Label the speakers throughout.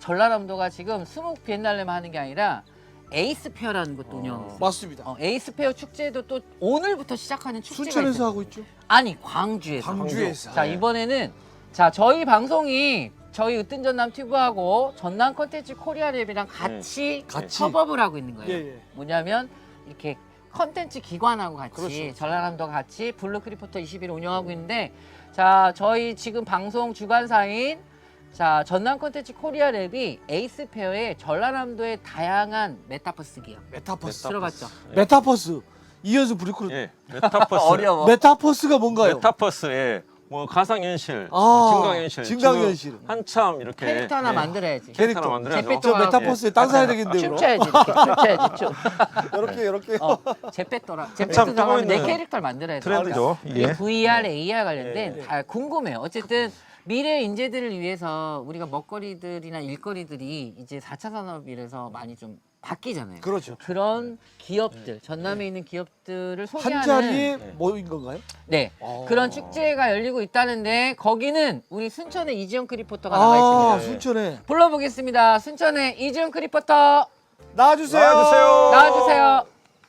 Speaker 1: 전라남도가 지금 수묵 비엔날레만 하는 게 아니라 에이스 페어라는 것도 운영하고 있어요.
Speaker 2: 맞습니다.
Speaker 1: 에이스 페어 축제도 또 오늘부터 시작하는 축제가
Speaker 2: 순천에서
Speaker 1: 있어요.
Speaker 2: 하고 있죠.
Speaker 1: 아니 광주에서.
Speaker 2: 광주에서.
Speaker 1: 자 이번에는 자 저희 방송이 저희 으뜸 전남 튜브하고 전남 컨텐츠 코리아랩이랑 같이
Speaker 2: 같이.
Speaker 1: 협업을 하고 있는 거예요.
Speaker 2: 예, 예.
Speaker 1: 뭐냐면 이렇게 컨텐츠 기관하고 같이
Speaker 2: 그렇죠.
Speaker 1: 전라남도가 같이 블루크리포터 21을 운영하고 있는데 자 저희 지금 방송 주관사인 자 전남 컨텐츠 코리아랩이 에이스 페어에 전라남도의 다양한 메타버스 기업
Speaker 2: 메타버스.
Speaker 1: 들어봤죠?
Speaker 2: 메타버스. 이현수 브리크루.
Speaker 3: 예, 메타버스.
Speaker 1: 어려워.
Speaker 2: 메타버스가 뭔가요?
Speaker 3: 메타버스에 뭐 가상현실,
Speaker 2: 아,
Speaker 3: 증강현실,
Speaker 2: 증강현실.
Speaker 3: 지금 한참 이렇게
Speaker 1: 캐릭터 하나
Speaker 3: 예,
Speaker 1: 만들어야지.
Speaker 3: 캐릭터 하나 만들어야죠.
Speaker 1: 제페토
Speaker 2: 저 메타버스에 땅 사야 되겠는데요.
Speaker 1: 춤춰야지 이렇게 춤춰야지 춤.
Speaker 2: 이렇게.
Speaker 1: 제페토라.
Speaker 3: 참
Speaker 1: 제페토
Speaker 3: 뜨고
Speaker 1: 나가면 내
Speaker 3: 있는
Speaker 1: 캐릭터를 만들어야 돼.
Speaker 3: 트렌드죠.
Speaker 1: 이게
Speaker 3: 이게.
Speaker 1: VR, AR 관련된
Speaker 3: 예.
Speaker 1: 다 궁금해요. 어쨌든 미래 인재들을 위해서 우리가 먹거리들이나 일거리들이 이제 4차 산업이라서 많이 좀 바뀌잖아요.
Speaker 2: 그렇죠.
Speaker 1: 그런 기업들, 전남에 있는 기업들을 소개하는
Speaker 2: 한 자리에 모인 건가요?
Speaker 1: 네.
Speaker 2: 아.
Speaker 1: 그런 축제가 열리고 있다는데 거기는 우리 순천의 이지영 크리포터가 나가 있습니다.
Speaker 2: 아, 순천에.
Speaker 1: 불러보겠습니다. 순천의 이지영 크리포터
Speaker 2: 나와주세요.
Speaker 3: 나와주세요.
Speaker 1: 나와주세요.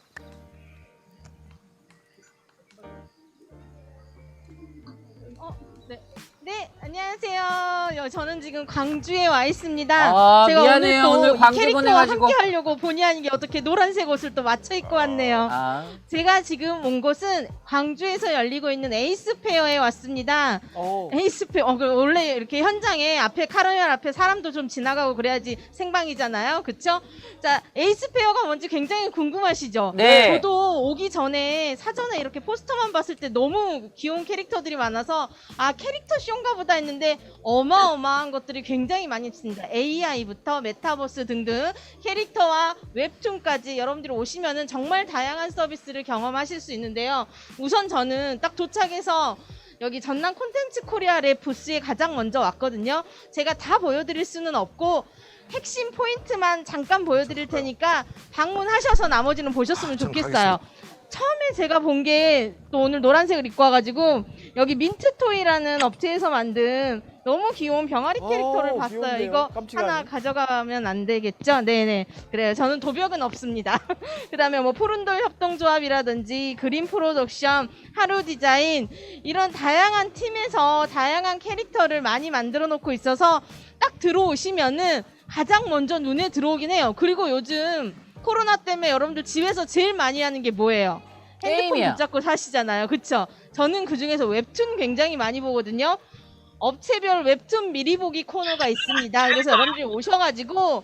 Speaker 4: 네, 안녕하세요. 저는 지금 광주에 와 있습니다.
Speaker 1: 아,
Speaker 4: 제가
Speaker 1: 미안해요.
Speaker 4: 오늘
Speaker 1: 오늘
Speaker 4: 또
Speaker 1: 광주
Speaker 4: 이 캐릭터와
Speaker 1: 보내가지고.
Speaker 4: 함께 하려고 본의 아니게 어떻게 노란색 옷을 또 맞춰 입고 왔네요.
Speaker 1: 아,
Speaker 4: 제가 지금 온 곳은 광주에서 열리고 있는 에이스 페어에 왔습니다. 에이스 페어, 원래 이렇게 현장에 앞에 카르멜 앞에 사람도 좀 지나가고 그래야지 생방이잖아요. 그쵸? 자, 에이스 페어가 뭔지 굉장히 궁금하시죠?
Speaker 1: 네.
Speaker 4: 저도 오기 전에 사전에 이렇게 포스터만 봤을 때 너무 귀여운 캐릭터들이 많아서 아, 캐릭터 쇼인가 보다 했는데 어마어마한 것들이 굉장히 많이 있습니다. AI부터 메타버스 등등 캐릭터와 웹툰까지 여러분들이 오시면은 정말 다양한 서비스를 경험하실 수 있는데요. 우선 저는 딱 도착해서 여기 전남 콘텐츠 코리아 랩 부스에 가장 먼저 왔거든요. 제가 다 보여드릴 수는 없고 핵심 포인트만 잠깐 보여드릴 테니까 방문하셔서 나머지는 보셨으면 좋겠어요. 처음에 제가 본 게 또 오늘 노란색을 입고 와가지고 여기 민트토이라는 업체에서 만든 너무 귀여운 병아리 캐릭터를 봤어요.
Speaker 2: 귀여운데요?
Speaker 4: 이거
Speaker 2: 깜찍하네.
Speaker 4: 하나 가져가면 안 되겠죠? 네네. 그래요. 저는 도벽은 없습니다. 그 다음에 뭐 푸른돌 협동조합이라든지 그린 프로덕션, 하루 디자인 이런 다양한 팀에서 다양한 캐릭터를 많이 만들어 놓고 있어서 딱 들어오시면은 가장 먼저 눈에 들어오긴 해요. 그리고 요즘 코로나 때문에 여러분들 집에서 제일 많이 하는 게 뭐예요? 핸드폰
Speaker 1: 게임이야.
Speaker 4: 붙잡고 사시잖아요. 그쵸? 저는 그중에서 웹툰 굉장히 많이 보거든요. 업체별 웹툰 미리 보기 코너가 있습니다. 그래서 여러분들이 오셔가지고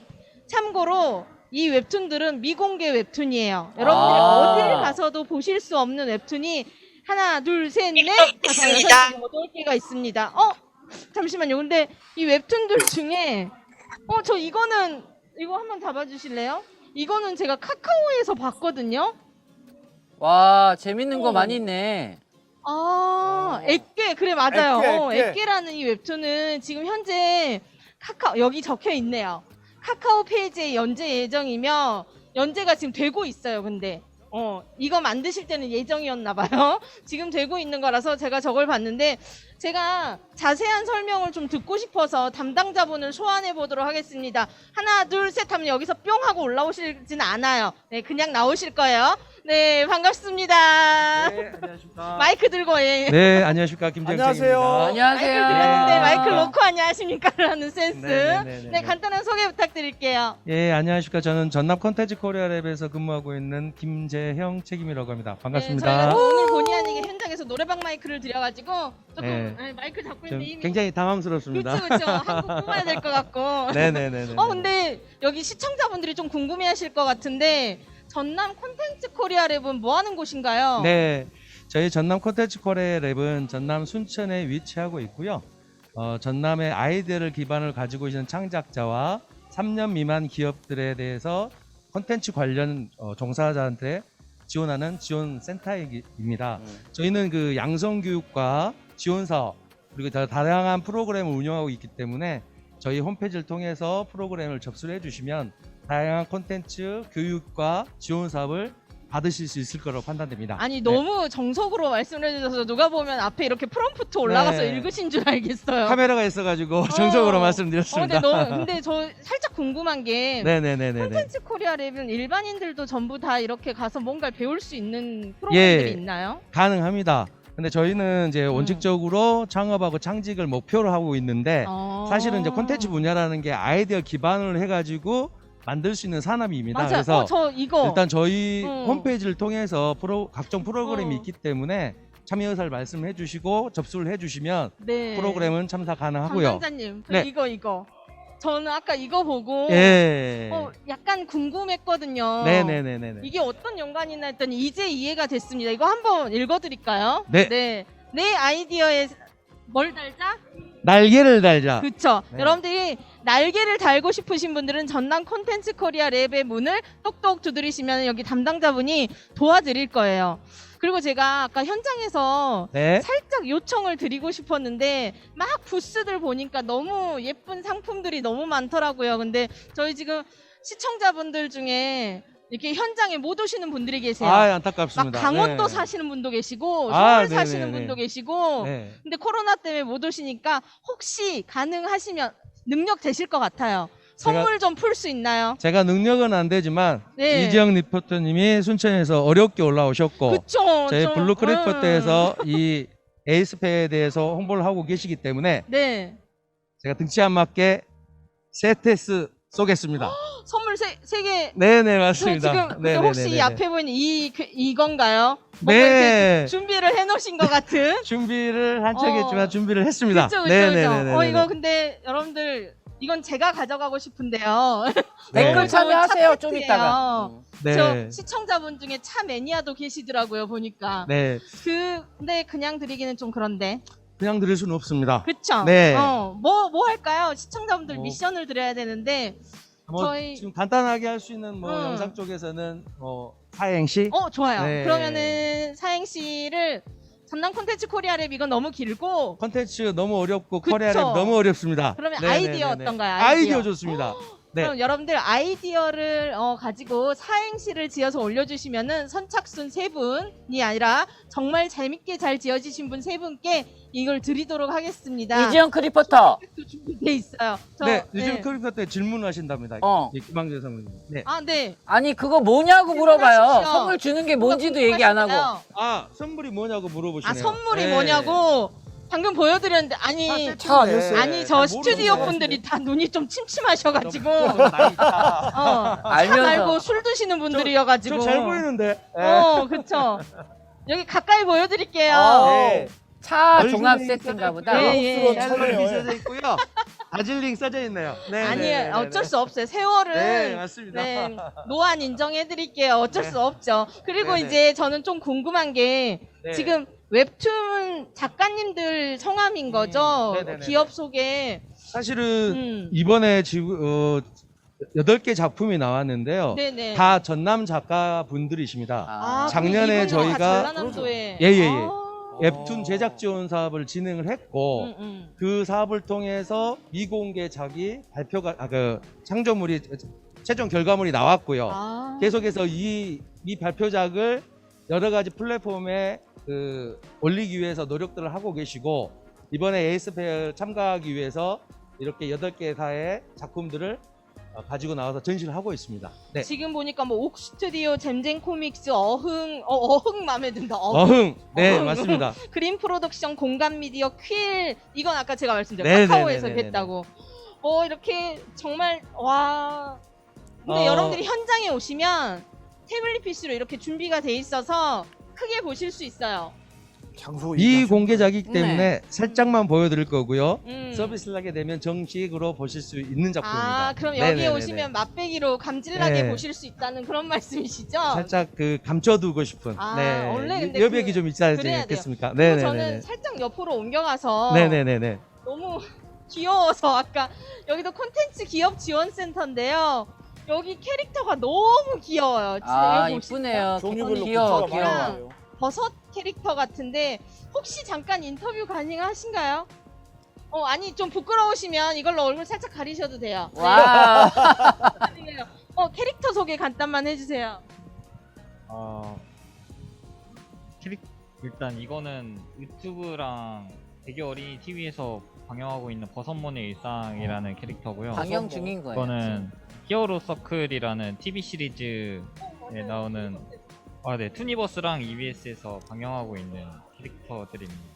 Speaker 4: 참고로 이 웹툰들은 미공개 웹툰이에요. 여러분들이
Speaker 1: 아.
Speaker 4: 어딜 가서도 보실 수 없는 웹툰이 하나, 둘, 셋, 넷, 다섯, 여섯, 일곱, 여덟 개가 있습니다. 잠시만요. 근데 이 웹툰들 중에 저 이거 한번 잡아주실래요? 이거는 제가 카카오에서 봤거든요.
Speaker 1: 와 재밌는 거 많이 있네.
Speaker 4: 액괴 그래 맞아요.
Speaker 2: 액괴.
Speaker 4: 액괴라는 이 웹툰은 지금 현재 카카오 여기 적혀 있네요. 카카오 페이지에 연재 예정이며 연재가 지금 되고 있어요. 근데 이거 만드실 때는 예정이었나 봐요. 지금 되고 있는 거라서 제가 저걸 봤는데 제가 자세한 설명을 좀 듣고 싶어서 담당자분을 소환해 보도록 하겠습니다. 하나 둘 셋 하면 여기서 뿅 하고 올라오시진 않아요. 네, 그냥 나오실 거예요. 네, 반갑습니다.
Speaker 5: 네, 안녕하십니까.
Speaker 4: 마이크 들고 예.
Speaker 5: 네, 안녕하십니까. 김정택입니다.
Speaker 2: 안녕하세요.
Speaker 1: 안녕하세요.
Speaker 4: 마이크 드렸는데
Speaker 5: 네.
Speaker 4: 마이크 놓고 안녕하십니까? 라는 센스.
Speaker 5: 네.
Speaker 4: 네, 간단한 소개 부탁드릴게요.
Speaker 5: 예, 안녕하십니까. 저는 전남 컨텐츠 코리아 랩에서 근무하고 있는 김재형 책임이라고 합니다.
Speaker 4: 네,
Speaker 5: 반갑습니다.
Speaker 4: 저희가 오늘 본의 아니게 현장에서 노래방 마이크를 드려가지고 조금
Speaker 5: 네.
Speaker 4: 마이크 잡고
Speaker 5: 좀
Speaker 4: 있는데 이미
Speaker 5: 굉장히 당황스럽습니다.
Speaker 4: 그렇죠. 한국 뽑아야 될 것 같고.
Speaker 5: 네네네.
Speaker 4: 근데 여기 시청자분들이 좀 궁금해하실 것 같은데 전남 콘텐츠 코리아 랩은 뭐 하는 곳인가요?
Speaker 5: 네, 저희 전남 컨텐츠 코리아 랩은 전남 순천에 위치하고 있고요. 전남의 아이디어를 기반을 가지고 있는 창작자와 3년 미만 기업들에 대해서 콘텐츠 관련 종사자한테 지원하는 지원 센터입니다. 저희는 그 양성 교육과 지원 사업 그리고 다양한 프로그램을 운영하고 있기 때문에 저희 홈페이지를 통해서 프로그램을 접수를 해주시면 다양한 콘텐츠 교육과 지원 사업을 받으실 수 있을 거라고 판단됩니다.
Speaker 4: 아니 너무 정석으로 말씀을 해주셔서 누가 보면 앞에 이렇게 프롬프트 올라가서
Speaker 5: 네.
Speaker 4: 읽으신 줄 알겠어요.
Speaker 5: 카메라가 있어가지고 정적으로 말씀드렸습니다.
Speaker 4: 근데 저 궁금한 게
Speaker 5: 네네네네.
Speaker 4: 콘텐츠 코리아 랩은 일반인들도 전부 다 이렇게 가서 뭔가를 배울 수 있는 프로그램들이
Speaker 5: 예.
Speaker 4: 있나요?
Speaker 5: 가능합니다. 근데 저희는 이제
Speaker 4: 음.
Speaker 5: 원칙적으로 창업하고 창직을 목표로 하고 있는데 사실은 이제 콘텐츠 분야라는 게 아이디어 기반을 해가지고 만들 수 있는 산업입니다.
Speaker 4: 맞아요.
Speaker 5: 그래서
Speaker 4: 저 이거
Speaker 5: 일단 저희
Speaker 4: 음.
Speaker 5: 홈페이지를 통해서 각종 프로그램이
Speaker 4: 어.
Speaker 5: 있기 때문에 참여 의사를 말씀해 주시고 접수를 해 주시면
Speaker 4: 네.
Speaker 5: 프로그램은 참사 가능하고요.
Speaker 4: 담당자님,
Speaker 5: 네.
Speaker 4: 이거. 저는 아까 이거 보고
Speaker 5: 예.
Speaker 4: 약간 궁금했거든요.
Speaker 5: 네네네네.
Speaker 4: 이게 어떤 연관이나 했더니 이제 이해가 됐습니다. 이거 한번 읽어드릴까요?
Speaker 5: 네.
Speaker 4: 내 아이디어에 뭘 달자?
Speaker 5: 날개를 달자.
Speaker 4: 그쵸.
Speaker 5: 네.
Speaker 4: 여러분들이 날개를 달고 싶으신 분들은 전남 콘텐츠 코리아 랩의 문을 똑똑 두드리시면 여기 담당자분이 도와드릴 거예요. 그리고 제가 아까 현장에서
Speaker 5: 네.
Speaker 4: 살짝 요청을 드리고 싶었는데 막 부스들 보니까 너무 예쁜 상품들이 너무 많더라고요. 근데 저희 지금 시청자분들 중에 이렇게 현장에 못 오시는 분들이 계세요.
Speaker 5: 아,
Speaker 4: 막
Speaker 5: 안타깝습니다.
Speaker 4: 강원도
Speaker 5: 네.
Speaker 4: 사시는 분도 계시고 서울
Speaker 5: 아,
Speaker 4: 사시는
Speaker 5: 네네네.
Speaker 4: 분도 계시고
Speaker 5: 네.
Speaker 4: 근데 코로나 때문에 못 오시니까 혹시 가능하시면 능력 되실 것 같아요. 선물 좀 풀 수 있나요?
Speaker 5: 제가 능력은 안 되지만
Speaker 4: 네.
Speaker 5: 이지영 리포터님이 순천에서 어렵게 올라오셨고
Speaker 4: 그쵸.
Speaker 5: 저희
Speaker 4: 좀,
Speaker 5: 블루크래프트에서 이 에이스페에 대해서 홍보를 하고 계시기 때문에
Speaker 4: 네.
Speaker 5: 제가 등치 안 맞게 세테스 쏘겠습니다.
Speaker 4: 선물 세 개.
Speaker 5: 네네
Speaker 4: 저
Speaker 5: 맞습니다.
Speaker 4: 지금 근데
Speaker 5: 네네네네.
Speaker 4: 혹시 이 앞에 보이는 이건가요? 뭔가
Speaker 5: 네.
Speaker 4: 이렇게 준비를 해놓으신 것 같은.
Speaker 5: 준비를 한척 했지만 준비를 했습니다.
Speaker 4: 그쵸.
Speaker 5: 네네네네.
Speaker 4: 이거 근데 여러분들 이건 제가 가져가고 싶은데요.
Speaker 5: 네.
Speaker 1: 댓글 참여하세요. 좀
Speaker 4: 차
Speaker 1: 이따가.
Speaker 5: 네.
Speaker 4: 저 시청자분 중에 차 매니아도 계시더라고요 보니까.
Speaker 5: 네.
Speaker 4: 근데 그냥 드리기는 좀 그런데.
Speaker 5: 그냥 들을 수는 없습니다.
Speaker 4: 그쵸?
Speaker 5: 네.
Speaker 4: 뭐 할까요? 시청자분들
Speaker 5: 뭐.
Speaker 4: 미션을 드려야 되는데.
Speaker 5: 뭐
Speaker 4: 저희-
Speaker 5: 지금 간단하게 할 수 있는 뭐 영상 쪽에서는 사행시.
Speaker 4: 좋아요.
Speaker 5: 네.
Speaker 4: 그러면은 사행시를 전남 콘텐츠 코리아 랩 이건 너무 길고.
Speaker 5: 컨텐츠 너무 어렵고
Speaker 4: 그쵸.
Speaker 5: 코리아 랩 너무 어렵습니다.
Speaker 4: 그러면
Speaker 5: 네네네네.
Speaker 4: 아이디어 어떤가요?
Speaker 5: 아이디어 좋습니다. 네.
Speaker 4: 그럼 여러분들 아이디어를 가지고 사행시를 지어서 올려주시면은 선착순 3분이 아니라 정말 재밌게 잘 지어주신 분 3분께 이걸 드리도록 하겠습니다.
Speaker 1: 이지영 크리포터.
Speaker 4: 또 준비돼 있어요.
Speaker 5: 네, 요즘 크리커 때 질문하신답니다.
Speaker 1: 어.
Speaker 5: 김방재 사모님. 네.
Speaker 4: 네.
Speaker 1: 아니 그거 뭐냐고 물어봐요.
Speaker 4: 질문하십시오.
Speaker 1: 선물 주는 게 뭔지도 얘기 안 하고.
Speaker 5: 아, 선물이 뭐냐고 물어보시네요.
Speaker 4: 선물이
Speaker 5: 네.
Speaker 4: 뭐냐고 방금 보여드렸는데 아니
Speaker 2: 차 아니었어요?
Speaker 4: 아니 저
Speaker 5: 모르는
Speaker 4: 스튜디오
Speaker 5: 거
Speaker 4: 분들이 다 눈이 좀 침침하셔가지고
Speaker 5: 나이 차.
Speaker 1: 알면서.
Speaker 4: 말고 술 드시는 분들이어가지고
Speaker 5: 저잘 보이는데.
Speaker 4: 그쵸. 여기 가까이 보여드릴게요.
Speaker 5: 네.
Speaker 1: 차
Speaker 5: 얼굴이
Speaker 1: 종합
Speaker 5: 있어요.
Speaker 1: 세트인가 보다.
Speaker 4: 네, 예.
Speaker 5: 짤막이 써져 있고요. 다질링 써져 있네요. 네.
Speaker 4: 아니에요. 어쩔 수 없어요. 세월은
Speaker 5: 네, 맞습니다.
Speaker 4: 네, 노안 인정해드릴게요. 어쩔
Speaker 5: 네.
Speaker 4: 수 없죠. 그리고
Speaker 5: 네네.
Speaker 4: 이제 저는 좀 궁금한 게
Speaker 5: 네.
Speaker 4: 지금 웹툰 작가님들 성함인 거죠.
Speaker 5: 네네네네.
Speaker 4: 기업 소개.
Speaker 5: 사실은 이번에 지금 8개 작품이 나왔는데요.
Speaker 4: 네네.
Speaker 5: 다 전남 작가분들이십니다.
Speaker 1: 아,
Speaker 5: 작년에 저희가-
Speaker 4: 전라남도에
Speaker 5: 예.
Speaker 4: 아.
Speaker 5: 웹툰 제작 지원 사업을 진행을 했고 그 사업을 통해서 미공개작이 발표가 창조물이 최종 결과물이 나왔고요.
Speaker 4: 아.
Speaker 5: 계속해서 이 발표작을 여러 가지 플랫폼에 올리기 위해서 노력들을 하고 계시고 이번에 에이스페어 참가하기 위해서 이렇게 8개사의 작품들을 가지고 나와서 전시를 하고 있습니다. 네.
Speaker 4: 지금 보니까 뭐 옥스튜디오, 잼잼 코믹스, 어흥 마음에 든다.
Speaker 5: 어흥. 네,
Speaker 4: 어흥.
Speaker 5: 맞습니다.
Speaker 4: 그린 프로덕션, 공감 미디어, 퀼 이건 아까 제가 말씀드린
Speaker 5: 네네네네네.
Speaker 4: 카카오에서 뵀다고. 이렇게 정말 와. 근데 여러분들이 현장에 오시면 태블릿 PC로 이렇게 준비가 돼 있어서 크게 보실 수 있어요.
Speaker 2: 장소
Speaker 5: 미공개작이기
Speaker 1: 네.
Speaker 5: 때문에 살짝만 보여드릴 거고요.
Speaker 4: 음.
Speaker 5: 서비스를 하게 되면 정식으로 보실 수 있는 작품입니다.
Speaker 4: 아, 그럼 여기에
Speaker 5: 네네네네.
Speaker 4: 오시면 맛배기로 감질나게
Speaker 5: 네.
Speaker 4: 보실 수 있다는 그런 말씀이시죠?
Speaker 5: 살짝 감춰두고 싶은
Speaker 4: 원래 근데
Speaker 5: 여백이 좀 있지
Speaker 4: 그래야 돼요.
Speaker 5: 않겠습니까?
Speaker 4: 그리고
Speaker 5: 네네네.
Speaker 4: 저는 살짝 옆으로 옮겨가서
Speaker 5: 네네네네.
Speaker 4: 너무 귀여워서 아까 여기도 콘텐츠 기업 지원센터인데요. 여기 캐릭터가 너무 귀여워요. 진짜
Speaker 1: 아
Speaker 4: 여기 보시면
Speaker 1: 이쁘네요.
Speaker 2: 종류별로
Speaker 1: 귀여워
Speaker 2: 굿즈가 많이
Speaker 1: 귀여워.
Speaker 2: 나와요.
Speaker 4: 버섯 캐릭터 같은데 혹시 잠깐 인터뷰 가능하신가요? 아니 좀 부끄러우시면 이걸로 얼굴 살짝 가리셔도 돼요. 네.
Speaker 1: 와.
Speaker 4: 아니에요. 캐릭터 소개 간단만 해주세요.
Speaker 6: 일단 이거는 유튜브랑 대교 어린이 TV에서 방영하고 있는 버섯몬의 일상이라는 캐릭터고요.
Speaker 1: 방영 중인 거예요.
Speaker 6: 이거는 히어로 서클이라는 TV 시리즈에 나오는 네, 투니버스랑 EBS에서 방영하고 있는 캐릭터들입니다.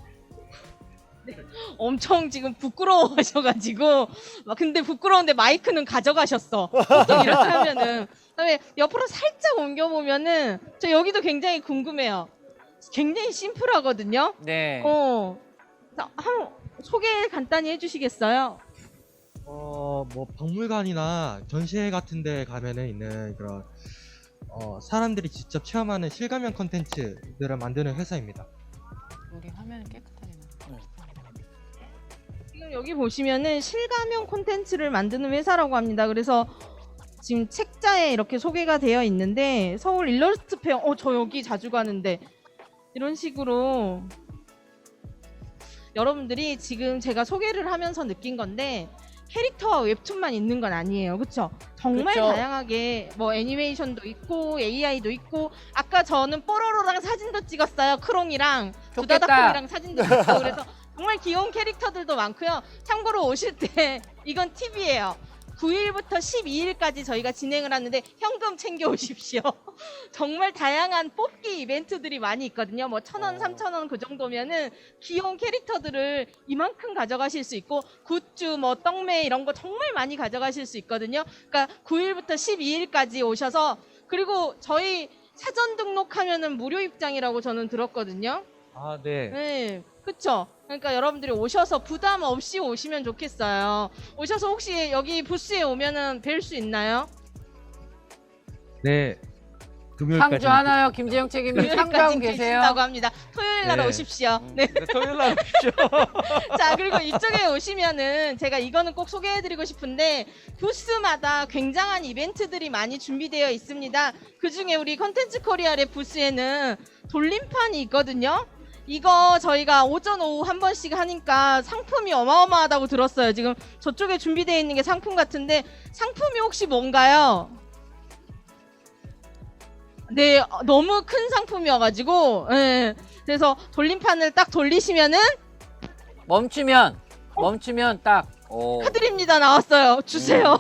Speaker 4: 엄청 지금 부끄러워하셔가지고 막 근데 부끄러운데 마이크는 가져가셨어. 보통 이렇게 하면은. 그다음에 옆으로 살짝 옮겨보면은 저 여기도 굉장히 궁금해요. 굉장히 심플하거든요.
Speaker 1: 네.
Speaker 4: 자, 한번 소개 간단히 해주시겠어요?
Speaker 7: 뭐 박물관이나 전시회 같은 데 가면은 있는 그런 사람들이 직접 체험하는 실감형 컨텐츠들을 만드는 회사입니다.
Speaker 1: 우리 화면은 깨끗하게 나.
Speaker 4: 지금 여기 보시면은 실감형 콘텐츠를 만드는 회사라고 합니다. 그래서 지금 책자에 이렇게 소개가 되어 있는데 서울 일러스트 페어, 저 여기 자주 가는데 이런 식으로 여러분들이 지금 제가 소개를 하면서 느낀 건데 캐릭터와 웹툰만 있는 건 아니에요. 그렇죠? 정말
Speaker 1: 그쵸.
Speaker 4: 다양하게 뭐 애니메이션도 있고 AI도 있고 아까 저는 뽀로로랑 사진도 찍었어요. 크롱이랑
Speaker 1: 좋겠다.
Speaker 4: 두다다콩이랑 사진도 찍고 그래서 정말 귀여운 캐릭터들도 많고요. 참고로 오실 때 이건 팁이에요. 9일부터 12일까지 저희가 진행을 하는데 현금 챙겨 오십시오. 정말 다양한 뽑기 이벤트들이 많이 있거든요. 뭐 1,000원, 3,000원 그 정도면은 귀여운 캐릭터들을 이만큼 가져가실 수 있고 굿즈, 뭐 떡메 이런 거 정말 많이 가져가실 수 있거든요. 그러니까 9일부터 12일까지 오셔서 그리고 저희 사전 등록하면은 무료 입장이라고 저는 들었거든요.
Speaker 5: 아, 네.
Speaker 4: 네, 그쵸? 그러니까 여러분들이 오셔서 부담 없이 오시면 좋겠어요. 오셔서 혹시 여기 부스에 오면은 뵐 수 있나요?
Speaker 5: 네. 금요일까지.
Speaker 1: 상주 하나요, 김재영 책임님 상주하고 계세요.
Speaker 4: 계신다고 합니다. 토요일 날
Speaker 5: 네.
Speaker 4: 오십시오. 네.
Speaker 5: 토요일 날 오십시오.
Speaker 4: 자, 그리고 이쪽에 오시면은 제가 이거는 꼭 소개해드리고 싶은데 부스마다 굉장한 이벤트들이 많이 준비되어 있습니다. 그 중에 우리 컨텐츠 코리아의 부스에는 돌림판이 있거든요. 이거 저희가 오전 오후 한 번씩 하니까 상품이 어마어마하다고 들었어요. 지금 저쪽에 준비되어 있는 게 상품 같은데 상품이 혹시 뭔가요? 네, 너무 큰 상품이어가지고 예. 그래서 돌림판을 딱 돌리시면은
Speaker 1: 멈추면 딱. 오.
Speaker 4: 카드립니다 나왔어요. 주세요.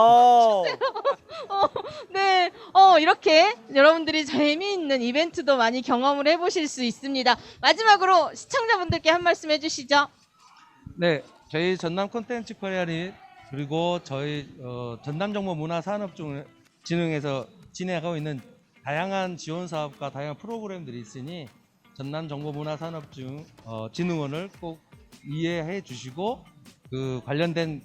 Speaker 4: 네, 이렇게 여러분들이 재미있는 이벤트도 많이 경험을 해보실 수 있습니다. 마지막으로 시청자분들께 한 말씀 해주시죠.
Speaker 5: 네, 저희 전남 콘텐츠 코리아리 그리고 저희 전남정보문화산업진흥에서 진행하고 있는 다양한 지원 사업과 다양한 프로그램들이 있으니 전남정보문화산업진흥원을 꼭 이해해 주시고 그 관련된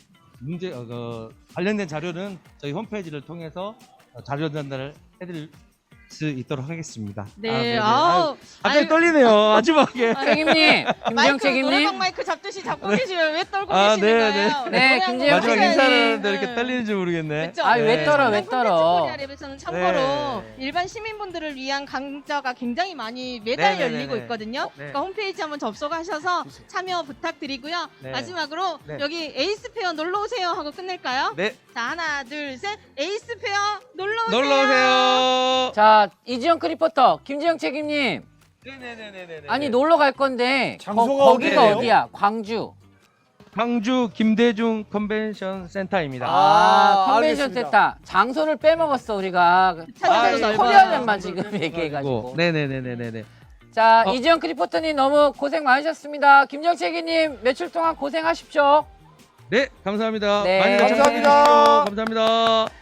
Speaker 5: 관련된 자료는 저희 홈페이지를 통해서 자료 전달을 해드릴 수 있도록 하겠습니다.
Speaker 4: 네,
Speaker 5: 갑자기 떨리네요. 마지막에.
Speaker 1: 책임님, 김재영
Speaker 4: 마이크
Speaker 1: 책임님.
Speaker 4: 노래방 마이크 잡듯이 잡고 계시면 왜 떨고
Speaker 5: 아,
Speaker 4: 계시는
Speaker 5: 네,
Speaker 4: 거예요?
Speaker 1: 네,
Speaker 4: 노래 한
Speaker 1: 김재영
Speaker 4: 곡
Speaker 5: 마지막
Speaker 1: 책임님.
Speaker 5: 인사하는데
Speaker 4: 네.
Speaker 5: 이렇게 떨리는지 모르겠네.
Speaker 4: 그쵸?
Speaker 1: 아, 왜 떨어, 왜
Speaker 4: 콘텐츠
Speaker 1: 떨어.
Speaker 4: 코리아 랩에서는 참고로
Speaker 5: 네.
Speaker 4: 일반 시민분들을 위한 강좌가 굉장히 많이 매달
Speaker 5: 네, 네,
Speaker 4: 열리고
Speaker 5: 네, 네.
Speaker 4: 있거든요.
Speaker 5: 네.
Speaker 4: 그러니까 홈페이지 한번 접속하셔서 참여 부탁드리고요.
Speaker 5: 네.
Speaker 4: 마지막으로
Speaker 5: 네.
Speaker 4: 여기 에이스페어 놀러 오세요 하고 끝낼까요?
Speaker 5: 네,
Speaker 4: 자, 하나, 둘, 셋. 에이스페어 놀러 오세요.
Speaker 5: 놀러 오세요.
Speaker 1: 자, 이지영 크리포터, 김재영 책임님.
Speaker 5: 네네네네네.
Speaker 1: 아니 놀러 갈 건데
Speaker 2: 장소가
Speaker 1: 거기가
Speaker 2: 어디예요?
Speaker 1: 어디야? 광주.
Speaker 5: 광주 김대중 컨벤션 센터입니다.
Speaker 1: 컨벤션
Speaker 2: 알겠습니다.
Speaker 1: 센터. 장소를 빼먹었어 우리가.
Speaker 4: 차량도 넓어요.
Speaker 1: 코리아랜만 지금 얘기해가지고.
Speaker 5: 네네네네네.
Speaker 1: 자,
Speaker 5: 어.
Speaker 1: 이지영 크리포터님 너무 고생 많으셨습니다. 김재영 책임님 며칠 동안 고생하십시오.
Speaker 5: 네, 감사합니다.
Speaker 1: 네.
Speaker 5: 많이
Speaker 2: 감사합니다.
Speaker 5: 참여해 주십시오. 감사합니다.